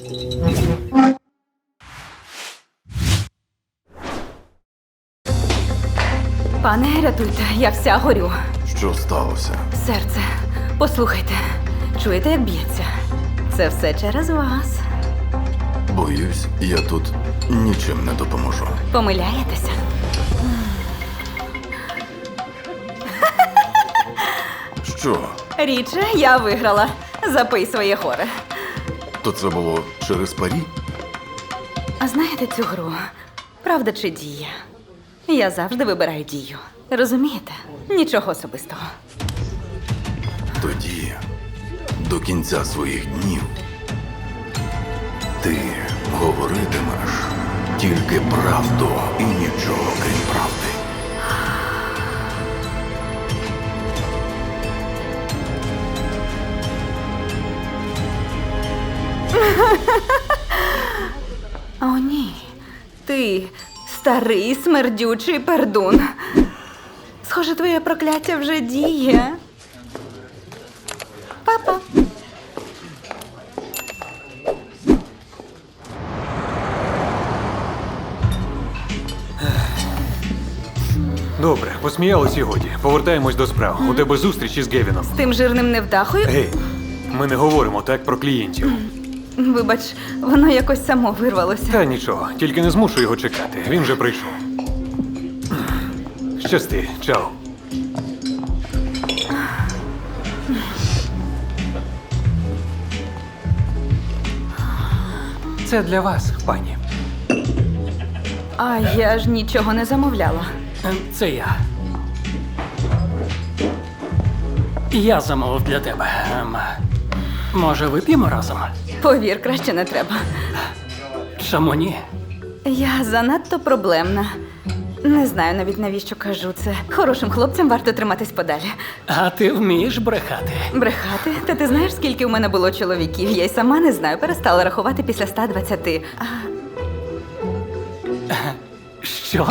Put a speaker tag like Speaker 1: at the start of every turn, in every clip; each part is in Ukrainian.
Speaker 1: Пане, рятуйте, я вся горю.
Speaker 2: Що сталося?
Speaker 1: Серце, послухайте, чуєте, як б'ється? Це все через вас.
Speaker 2: Боюсь, я тут нічим не допоможу.
Speaker 1: Помиляєтеся?
Speaker 2: Що?
Speaker 1: Річе, я виграла. Запий своє горе.
Speaker 2: То це було через парі?
Speaker 1: А знаєте цю гру? Правда чи дія? Я завжди вибираю дію. Розумієте? Нічого особистого.
Speaker 2: Тоді, до кінця своїх днів, ти говоритимеш тільки правду і нічого крім правди.
Speaker 1: О, ні. Ти старий смердючий пердун. Схоже, твоє прокляття вже діє. Папа.
Speaker 3: Добре, посміялись і годі. Повертаємось до справ. У тебе зустріч із Гевіном.
Speaker 1: З тим жирним невдахою?
Speaker 3: Гей, ми не говоримо так про клієнтів.
Speaker 1: Вибач, воно якось само вирвалося.
Speaker 3: Та нічого, тільки не змушу його чекати. Він вже прийшов. Щасти, чао. Це для вас, пані.
Speaker 1: А я ж нічого не замовляла.
Speaker 4: Це я. Я замовив для тебе. Може, вип'ємо разом?
Speaker 1: Повір, краще не треба.
Speaker 4: Чому ні?
Speaker 1: Я занадто проблемна. Не знаю навіть навіщо кажу це. Хорошим хлопцям варто триматись подалі.
Speaker 4: А ти вмієш брехати?
Speaker 1: Брехати? Та ти знаєш, скільки в мене було чоловіків? Я й сама не знаю, перестала рахувати після 120.
Speaker 4: Що?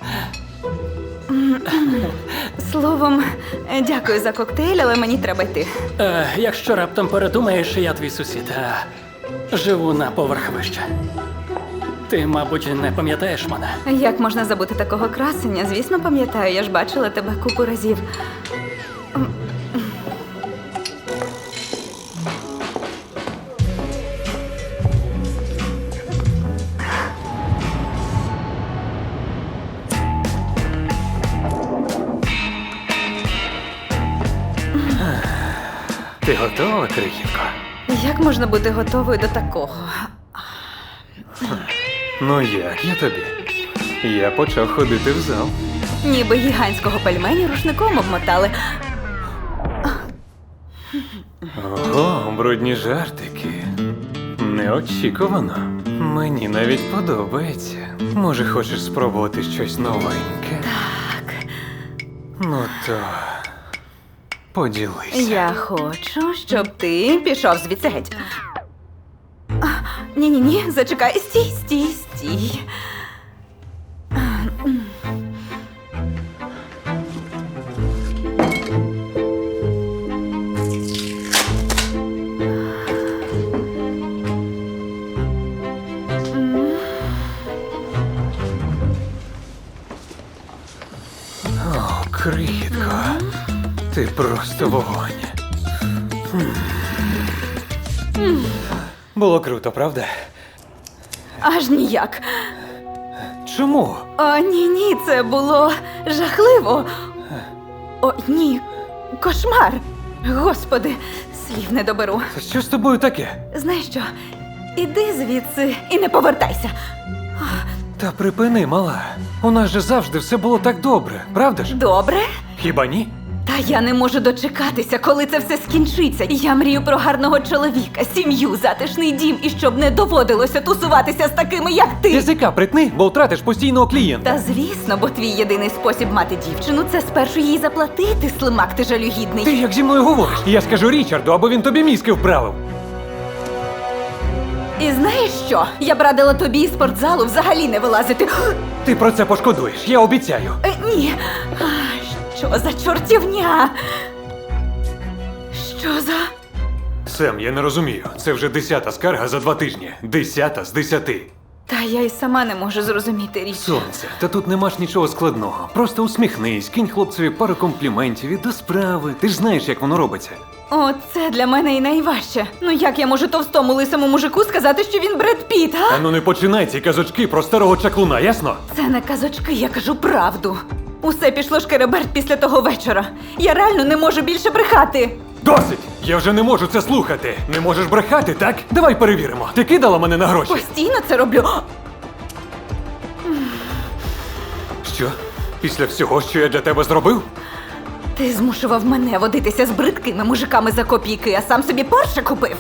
Speaker 1: Словом, дякую за коктейль, але мені треба йти.
Speaker 4: Якщо раптом передумаєш, я твій сусід. Живу на поверх вище. Ти, мабуть, не пам'ятаєш мене?
Speaker 1: Як можна забути такого красення? Звісно, пам'ятаю, я ж бачила тебе купу разів.
Speaker 3: Ти готова, крихітко?
Speaker 1: Як можна бути готовою до такого?
Speaker 3: Ну як я тобі? Я почав ходити в зал.
Speaker 1: Ніби гігантського пельменю рушником обмотали.
Speaker 3: Ого, брудні жартики. Неочікувано. Мені навіть подобається. Може, хочеш спробувати щось новеньке?
Speaker 1: Так,
Speaker 3: Ну то поділися.
Speaker 1: я хочу, щоб ти пішов звідси геть. Ні-ні-ні, зачекай, стій.
Speaker 3: О, крихітко. Ти просто вогонь. Було круто, правда?
Speaker 1: Аж ніяк.
Speaker 3: Чому?
Speaker 1: О, ні, це було жахливо. О, ні, кошмар. Господи, слів не доберу.
Speaker 3: Що з тобою таке?
Speaker 1: Знаєш що? Іди звідси і не повертайся.
Speaker 3: Та припини, мала. У нас же завжди все було так добре, правда ж?
Speaker 1: Добре?
Speaker 3: Хіба ні?
Speaker 1: Та я не можу дочекатися, коли це все скінчиться. Я мрію про гарного чоловіка, сім'ю, затишний дім і щоб не доводилося тусуватися з такими, як ти.
Speaker 3: Язика притни, бо втратиш постійного клієнта.
Speaker 1: Та звісно, бо твій єдиний спосіб мати дівчину це спершу їй заплатити, слимак ти жалюгідний.
Speaker 3: Ти як зі мною говориш? Я скажу Річарду, або він тобі мізки вправив.
Speaker 1: І знаєш що? Я б радила тобі із спортзалу взагалі не вилазити.
Speaker 3: Ти про це пошкодуєш, я обіцяю.
Speaker 1: Ні. Що за чортівня? Що за...
Speaker 3: Сем, я не розумію. Це вже 10-та скарга за 2 тижні. 10-та з 10.
Speaker 1: Та я й сама не можу зрозуміти річ.
Speaker 3: Сонце, та тут нема ж нічого складного. Просто усміхнись, кинь хлопцеві пару компліментів і до справи. Ти ж знаєш, як воно робиться.
Speaker 1: О, це для мене і найважче. Ну як я можу товстому лисому мужику сказати, що він Бред Піт, а?
Speaker 3: Та ну не починай ці казочки про старого чаклуна, ясно?
Speaker 1: Це не казочки, я кажу правду. Усе пішло шкереберть після того вечора. Я реально не можу більше брехати.
Speaker 3: Досить! Я вже не можу це слухати. Не можеш брехати, так? Давай перевіримо. Ти кидала мене на гроші?
Speaker 1: Постійно це роблю.
Speaker 3: Що? Після всього, що я для тебе зробив?
Speaker 1: Ти змушував мене водитися з бридкими мужиками за копійки, а сам собі Порше купив.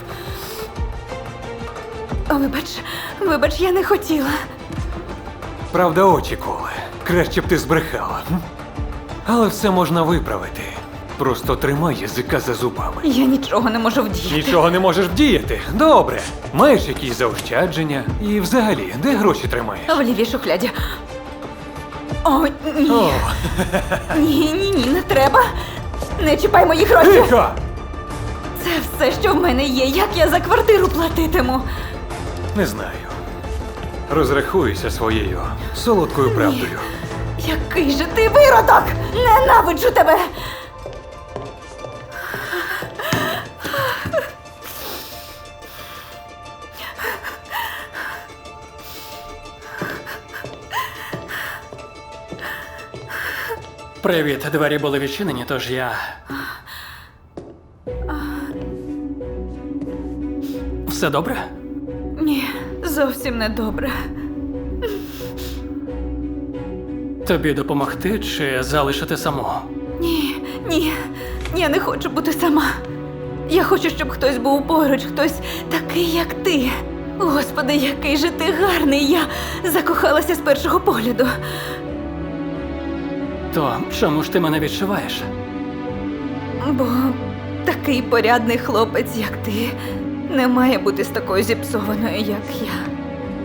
Speaker 1: Вибач, я не хотіла.
Speaker 3: Правда, очі коле. Краще б ти збрехала. Але все можна виправити. Просто тримай язика за зубами.
Speaker 1: Я нічого не можу вдіяти.
Speaker 3: Нічого не можеш вдіяти? Добре. Маєш якісь заощадження? І взагалі, де гроші тримаєш?
Speaker 1: В лівій шухляді. О, ні.
Speaker 3: О,
Speaker 1: Ні, не треба. Не чіпай мої гроші.
Speaker 3: тихо!
Speaker 1: Це все, що в мене є. Як я за квартиру платитиму?
Speaker 3: Не знаю. Розрахуюся своєю солодкою правдою.
Speaker 1: Який же ти виродок! Ненавиджу тебе!
Speaker 4: Привіт, двері були відчинені, тож я. Все добре?
Speaker 1: Ні, зовсім не добре.
Speaker 4: Тобі допомогти чи залишити саму?
Speaker 1: Ні, я не хочу бути сама. Я хочу, щоб хтось був поруч, хтось такий, як ти. Господи, який же ти гарний! Я закохалася з першого погляду.
Speaker 4: То чому ж ти мене відчуваєш?
Speaker 1: Бо такий порядний хлопець, як ти, не має бути з такою зіпсованою, як я.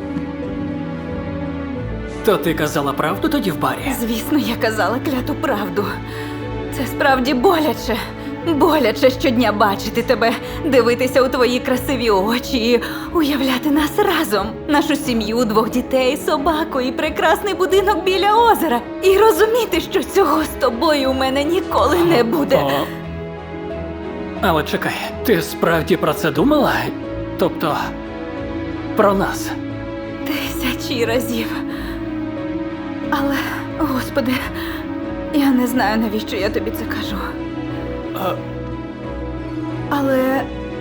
Speaker 4: То ти казала правду тоді в барі?
Speaker 1: Звісно, я казала кляту правду. Це справді боляче. Боляче щодня бачити тебе, дивитися у твої красиві очі і уявляти нас разом. Нашу сім'ю, 2 дітей, собаку і прекрасний будинок біля озера. І розуміти, що цього з тобою у мене ніколи не буде.
Speaker 4: О. Але чекай, ти справді про це думала? Тобто, про нас?
Speaker 1: 1000 разів. Але, господи, я не знаю, навіщо я тобі це кажу. Але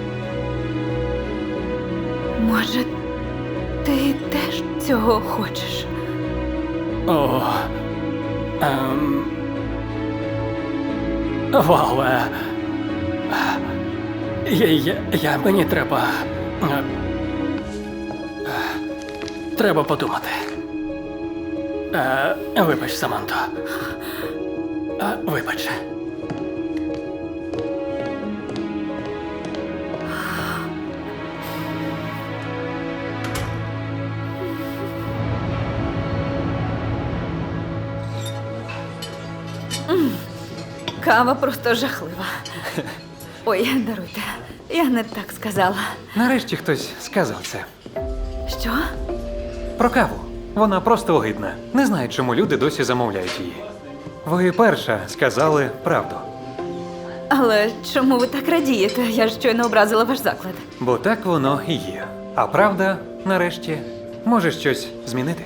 Speaker 1: може, ти теж цього хочеш?
Speaker 4: О. Вау. Мені треба. Треба подумати. Вибач, Саманто. Вибач.
Speaker 1: Кава просто жахлива. Ой, даруйте, я не так сказала.
Speaker 3: Нарешті хтось сказав це.
Speaker 1: Що?
Speaker 3: Про каву. Вона просто огидна. Не знаю, чому люди досі замовляють її. Ви перша сказали правду.
Speaker 1: Але чому ви так радієте? Я ж щойно образила ваш заклад.
Speaker 3: Бо так воно і є. А правда, нарешті, може щось змінити.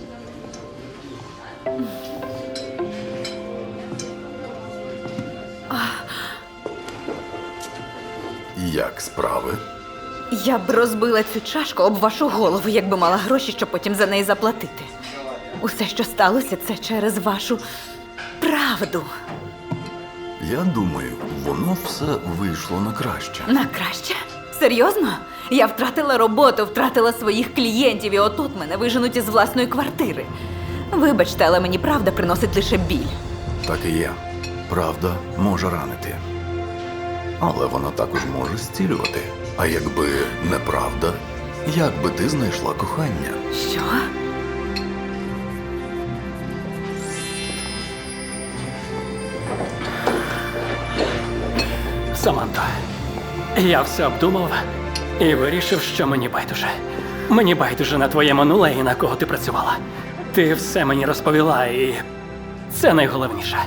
Speaker 2: Як справи?
Speaker 1: Я б розбила цю чашку об вашу голову, якби мала гроші, щоб потім за неї заплатити. Усе, що сталося, це через вашу правду.
Speaker 2: Я думаю, воно все вийшло на краще.
Speaker 1: На краще? Серйозно? Я втратила роботу, втратила своїх клієнтів, і отут мене виженуть із власної квартири. Вибачте, але мені правда приносить лише біль.
Speaker 2: Так і є. Правда може ранити. Але вона також може зцілювати. А якби неправда, як би ти знайшла кохання?
Speaker 1: Що?
Speaker 4: Саманто, Я все обдумав і вирішив, що мені байдуже. Мені байдуже на твоє минуле і на кого ти працювала. Ти все мені розповіла, і це найголовніше.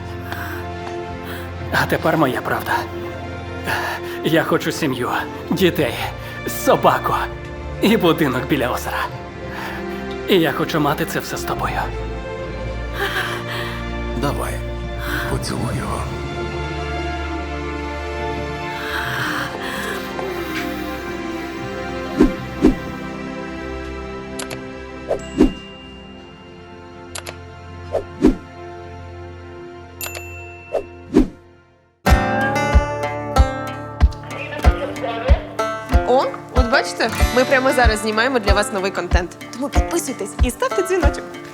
Speaker 4: А тепер моя правда. Я хочу сім'ю, дітей, собаку і будинок біля озера. І я хочу мати це все з тобою.
Speaker 2: Давай, поцілуй його.
Speaker 5: О, от бачите, ми прямо зараз знімаємо для вас новий контент. Тому підписуйтесь і ставте дзвіночок.